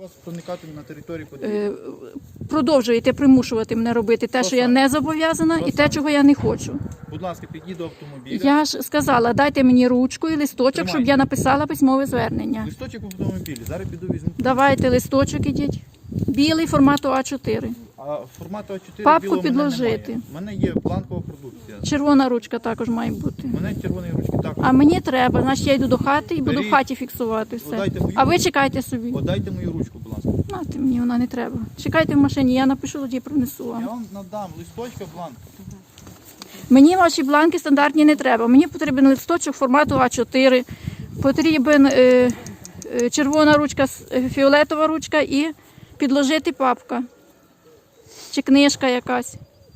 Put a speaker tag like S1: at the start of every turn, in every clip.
S1: Вас проникати на територію події.
S2: Продовжуєте примушувати мене робити те, що я не зобов'язана, і те, чого я не хочу.
S1: Будь ласка, підійдіть до автомобіля.
S2: Я ж сказала, дайте мені ручку і листочок, щоб я написала письмове звернення.
S1: Листочок в автомобілі. Зараз піду візьму.
S2: Давайте листочок ідіть. Білий формату А4.
S1: А формату А4
S2: Папку
S1: білого
S2: підложити.
S1: У мене є бланкова продукція.
S2: Червона ручка також має бути.
S1: У мене червоної ручки також.
S2: А мені треба, значить я йду до хати і буду в
S1: Беріть.
S2: хаті фіксувати все.
S1: Подайте мою
S2: А ви
S1: ручку.
S2: чекайте собі.
S1: Подайте мою ручку, будь ласка.
S2: Нате мені вона не треба. Чекайте в машині, я напишу, тоді принесу
S1: Я
S2: вам.
S1: вам надам листочка, бланк.
S2: Мені ваші бланки стандартні не треба. Мені потрібен листочок формату А4, потрібен червона ручка, фіолетова ручка і підложити папка. Чи книжка якась.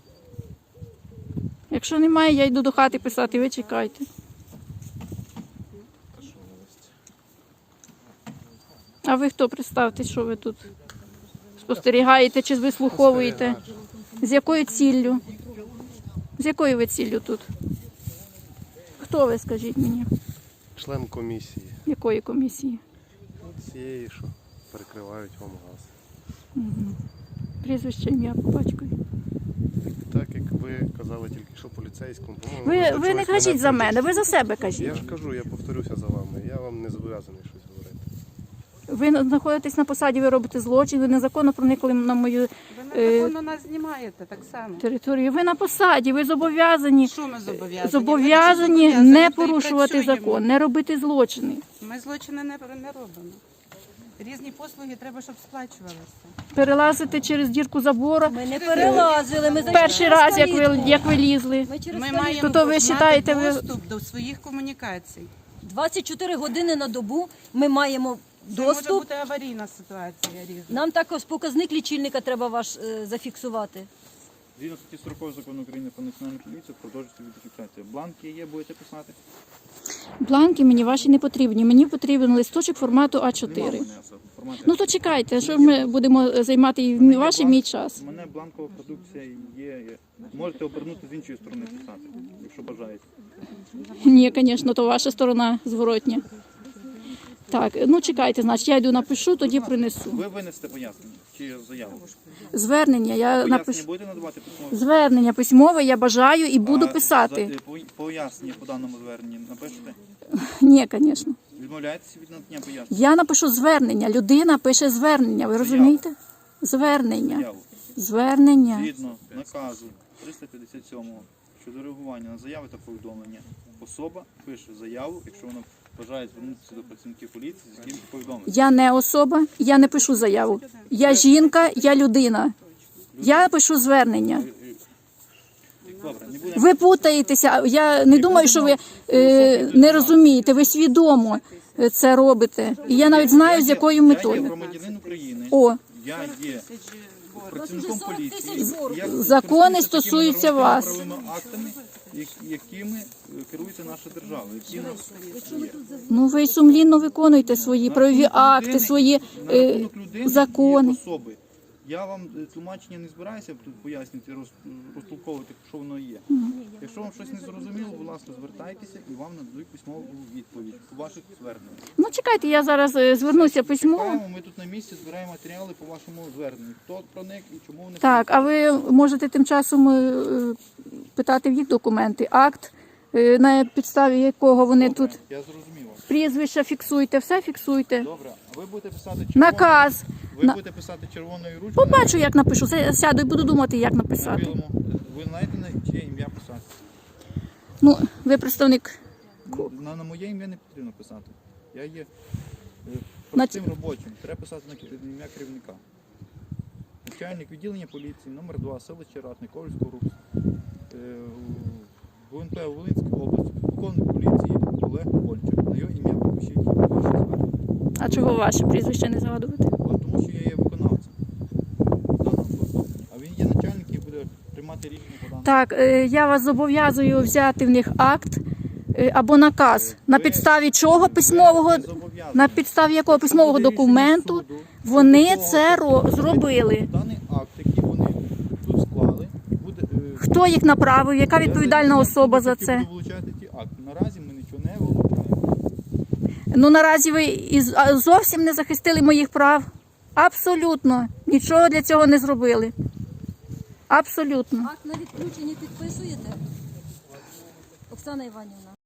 S2: Якщо немає, я йду до хати писати, ви чекайте. А ви хто? Представте, що ви тут спостерігаєте чи вислуховуєте? З якою ціллю? З якою ви ціллю тут? Хто ви, скажіть мені?
S3: Член комісії.
S2: Якої комісії?
S3: Цієї, що перекривають вам газ.
S2: Прізвище, ім'я, по батькові.
S3: Так як ви казали тільки що поліцейському, по-моєму,
S2: Ви
S3: до
S2: не
S3: чогось
S2: кажіть за
S3: мене
S2: мене, ви за себе кажіть.
S3: Я ж кажу, я повторюся за вами. Я вам не зобов'язаний щось говорити.
S2: Ви знаходитесь на посаді, ви робите злочин, ви незаконно проникли на мою
S4: Ви незаконно нас знімаєте так само.
S2: територію. Ви на посаді, ви зобов'язані.
S4: Що ми зобов'язані?
S2: Зобов'язані
S4: Ми
S2: не
S4: то й
S2: порушувати
S4: працюємо.
S2: закон, не робити злочини.
S4: Ми злочини не робимо. Різні послуги треба, щоб сплачувалися.
S2: Перелазити через дірку забору.
S5: Ми не перелазили, ми
S2: Перший раз, як ви лізли.
S5: Ми через
S4: Ми
S5: калітку.
S4: маємо
S2: То ви
S4: мати
S2: считаєте, ви-
S4: доступ до своїх комунікацій.
S5: 24 години на добу ми маємо
S4: Це може
S5: доступ.
S4: бути аварійна ситуація різна.
S5: Нам також показник лічильника треба ваш зафіксувати.
S1: Згідно статті 40 закону України про національну поліцію продовжується відеофіксація. Бланки є, будете писати?
S2: Бланки мені ваші не потрібні. Мені потрібен листочок формату
S1: Нема
S2: А4.
S1: в мене формату.
S2: Ну то чекайте, що ми будемо займати і ваш і мій час.
S1: У мене бланкова продукція є. Можете обернути з іншої сторони писати, якщо бажаєте.
S2: Ні, звісно, то ваша сторона зворотня. Так, ну чекайте, значить, я йду напишу, тоді принесу.
S1: Ви винесете пояснення чи заяву?
S2: Звернення, я
S1: Пояснення
S2: напишу.
S1: будете надавати письмове?
S2: Звернення письмове я бажаю і буду
S1: А
S2: писати.
S1: Пояснення по даному зверненні напишете?
S2: Ні, звісно.
S1: Відмовляєтеся від надання пояснення?
S2: Я напишу звернення. Людина пише звернення. Ви розумієте? Звернення.
S1: Заяву.
S2: Звернення.
S1: Згідно наказу 357 щодо реагування на заяви та повідомлення, особа пише заяву, якщо вона бажає звернутися до працівників поліції з якимось повідомленням.
S2: Я не особа, я не пишу заяву. Я жінка, я людина. Я пишу звернення.
S1: Добре, не будемо.
S2: Ви путаєтеся. Я не думаю, що ви не розумієте. Ви свідомо це робите. І я навіть знаю, з якою
S1: Я є
S2: метою.
S1: громадянин України,
S2: О,
S1: я є працівником поліції. Я
S2: Закони
S1: користуюся
S2: стосуються
S1: такими
S2: вас.
S1: правовими актами, якими керується наша держава, які в нас є.
S2: ну ви сумлінно виконуєте свої правові акти, свої
S1: На рахунок людини
S2: закони.
S1: і особи. Я вам тлумачення не збираюся тут пояснювати, розтолковувати, що воно є. Якщо вам щось не зрозуміло, будь ласка, звертайтеся і вам нададуть письмову відповідь по ваших зверненнях.
S2: Ну чекайте, я зараз звернуся письмово.
S1: Чекаємо, ми тут на місці збираємо матеріали по вашому зверненню. Хто проник і чому вони
S2: Так, а ви можете тим часом питати в їх документи, акт, на підставі якого вони
S1: Добре,
S2: тут
S1: я зрозумів вас.
S2: прізвища фіксуйте, все фіксуйте.
S1: Добре, а ви будете писати червоною?
S2: Наказ.
S1: Ви будете писати червоною ручкою?
S2: Побачу, як напишу. Сяду і буду думати, як
S1: на
S2: написати.
S1: білому. Ви знаєте, на чиє ім'я писати?
S2: Ну, ви представник.
S1: На моє ім'я не потрібно писати. Я є
S2: На
S1: простим робочим. Треба писати на ім'я керівника. Начальник відділення поліції, номер 2, селище Ратне, Ковальського РУПС, ГУНП Волинської області, полковник поліції Олег Ольчик. На його ім'я попишіть ваше звернення.
S2: А чого ваше прізвище не згадувати?
S1: Тому що я є виконавцем даного повідомлення. А він є начальник і буде приймати рішення по даному.
S2: Так, я вас зобов'язую взяти в них акт або наказ. На підставі чого письмового,
S1: Ви зобов'язані.
S2: на підставі якого письмового
S1: Буде рішення
S2: документу
S1: суду,
S2: вони
S1: якого
S2: це зробили.
S1: Даний акт, який вони тут склали, буде...
S2: Хто їх направив, яка відповідальна особа за це?
S1: Буду вилучати ті акти. Наразі ми нічого не вилучаємо.
S2: Ну наразі ви зовсім не захистили моїх прав. Абсолютно. Нічого для цього не зробили. Абсолютно.
S5: Акт на відключення підписуєте? Оксана Іванівна.